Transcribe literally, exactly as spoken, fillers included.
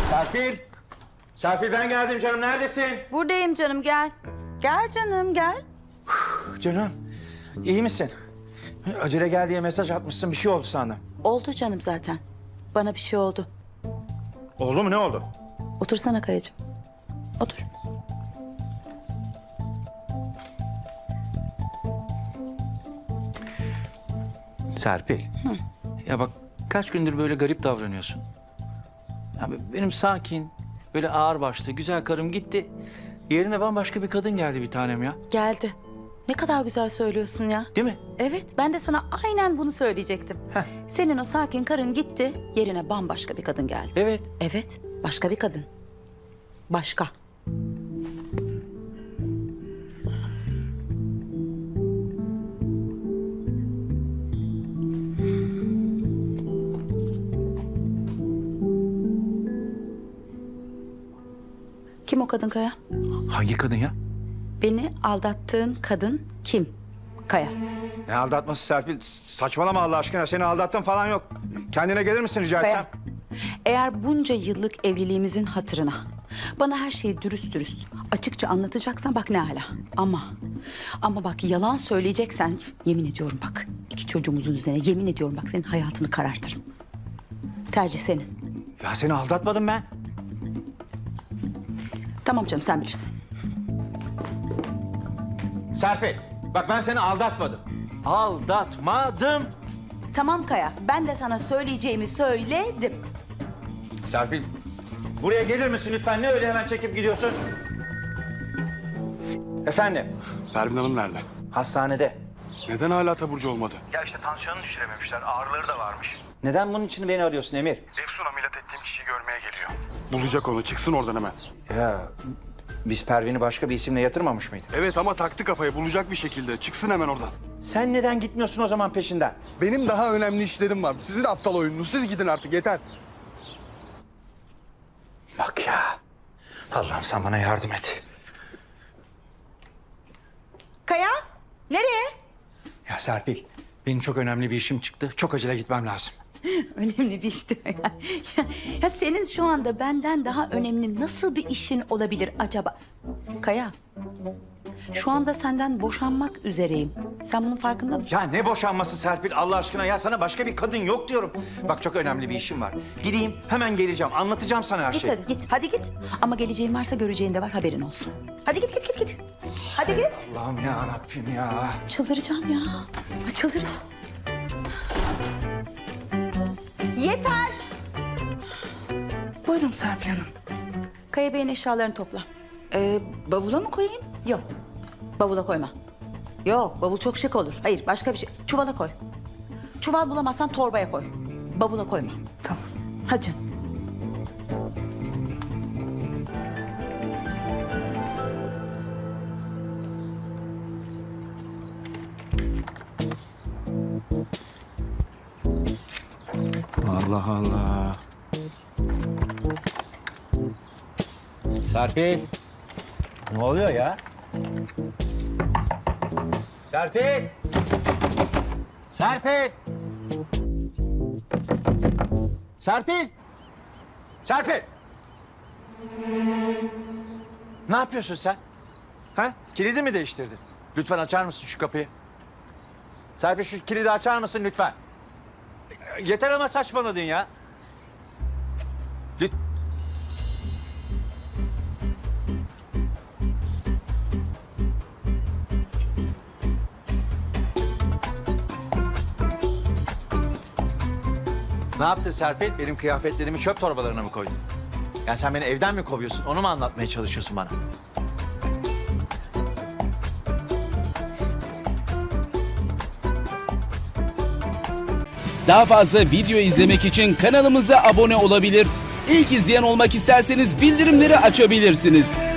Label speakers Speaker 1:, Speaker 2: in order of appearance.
Speaker 1: Serpil! Serpil ben geldim canım, neredesin?
Speaker 2: Buradayım canım, gel. Gel canım, gel.
Speaker 1: Canım, iyi misin? Acele gel diye mesaj atmışsın, bir şey oldu sandım.
Speaker 2: Oldu canım zaten. Bana bir şey oldu.
Speaker 1: Oldu mu, ne oldu?
Speaker 2: Otursana Kayacığım. Otur.
Speaker 1: Serpil. Hı. Ya bak kaç gündür böyle garip davranıyorsun. Ya benim sakin, böyle ağır başlı, güzel karım gitti. Yerine bambaşka bir kadın geldi bir tanem ya.
Speaker 2: Geldi. Ne kadar güzel söylüyorsun ya.
Speaker 1: Değil mi?
Speaker 2: Evet, ben de sana aynen bunu söyleyecektim.
Speaker 1: Heh.
Speaker 2: Senin o sakin karın gitti, yerine bambaşka bir kadın geldi.
Speaker 1: Evet.
Speaker 2: Evet, başka bir kadın. Başka. Kim o kadın Kaya?
Speaker 1: Hangi kadın ya?
Speaker 2: Beni aldattığın kadın kim? Kaya.
Speaker 1: Ne aldatması Serpil? Saçmalama Allah aşkına. Seni aldattım falan yok. Kendine gelir misin rica
Speaker 2: Kaya.
Speaker 1: etsem?
Speaker 2: Eğer bunca yıllık evliliğimizin hatırına bana her şeyi dürüst dürüst açıkça anlatacaksan bak ne hala. Ama ama bak yalan söyleyeceksen yemin ediyorum bak iki çocuğumuzun üzerine yemin ediyorum bak senin hayatını karartırım. Tercih senin.
Speaker 1: Ya seni aldatmadım ben.
Speaker 2: Tamam canım sen bilirsin.
Speaker 1: Serpil, bak ben seni aldatmadım. Aldatmadım.
Speaker 2: Tamam Kaya ben de sana söyleyeceğimi söyledim.
Speaker 1: Serpil, buraya gelir misin lütfen? Ne öyle hemen çekip gidiyorsun? Efendim?
Speaker 3: Pervin Hanım nerede?
Speaker 1: Hastanede.
Speaker 3: Neden hala taburcu olmadı?
Speaker 4: Ya işte tansiyonu düşürememişler. Ağrıları da varmış.
Speaker 1: Neden bunun için beni arıyorsun Emir?
Speaker 4: Efsun ameliyat ettiğim kişiyi görmeye geliyor.
Speaker 3: Bulacak onu, çıksın oradan hemen.
Speaker 1: Ya biz Pervin'i başka bir isimle yatırmamış mıydık?
Speaker 3: Evet ama taktı kafayı, bulacak bir şekilde. Çıksın hemen oradan.
Speaker 1: Sen neden gitmiyorsun o zaman peşinden?
Speaker 3: Benim daha önemli işlerim var. Sizin aptal oyununuz. Siz gidin artık, yeter.
Speaker 1: Bak ya. Allah'ım sen bana yardım et.
Speaker 2: Kaya nereye?
Speaker 1: Ya Serpil, benim çok önemli bir işim çıktı. Çok acele gitmem lazım.
Speaker 2: Önemli bir işti. Ya, ya, ya senin şu anda benden daha önemli nasıl bir işin olabilir acaba? Kaya, şu anda senden boşanmak üzereyim. Sen bunun farkında mısın?
Speaker 1: Ya ne boşanması Serpil Allah aşkına ya, sana başka bir kadın yok diyorum. Bak çok önemli bir işim var. Gideyim hemen geleceğim, anlatacağım sana her
Speaker 2: Git
Speaker 1: şeyi.
Speaker 2: hadi git, hadi git. Ama geleceğin varsa göreceğin de var, haberin olsun. Hadi git, git, git, git. Hadi git.
Speaker 1: Allah'ım ya Rabbim ya.
Speaker 2: Çıldıracağım ya. Ay, çıldıracağım. Yeter. Buyurun Serpil Hanım. Kaya Bey'in eşyalarını topla. Ee, bavula mı koyayım? Yok. Bavula koyma. Yok, bavul çok şık olur. Hayır, başka bir şey. Çuvala koy. Çuval bulamazsan torbaya koy. Bavula koyma. Tamam. Hadi canım.
Speaker 1: Allah Allah. Serpil. Ne oluyor ya? Serpil. Serpil. Serpil. Serpil. Ne yapıyorsun sen? Ha? Kilidi mi değiştirdin? Lütfen açar mısın şu kapıyı? Serpil şu kilidi açar mısın lütfen? Yeter ama saçmaladın ya. Lüt... Ne yaptın Serpil? Benim kıyafetlerimi çöp torbalarına mı koydun? Yani sen beni evden mi kovuyorsun? Onu mu anlatmaya çalışıyorsun bana?
Speaker 5: Daha fazla video izlemek için kanalımıza abone olabilir. İlk izleyen olmak isterseniz bildirimleri açabilirsiniz.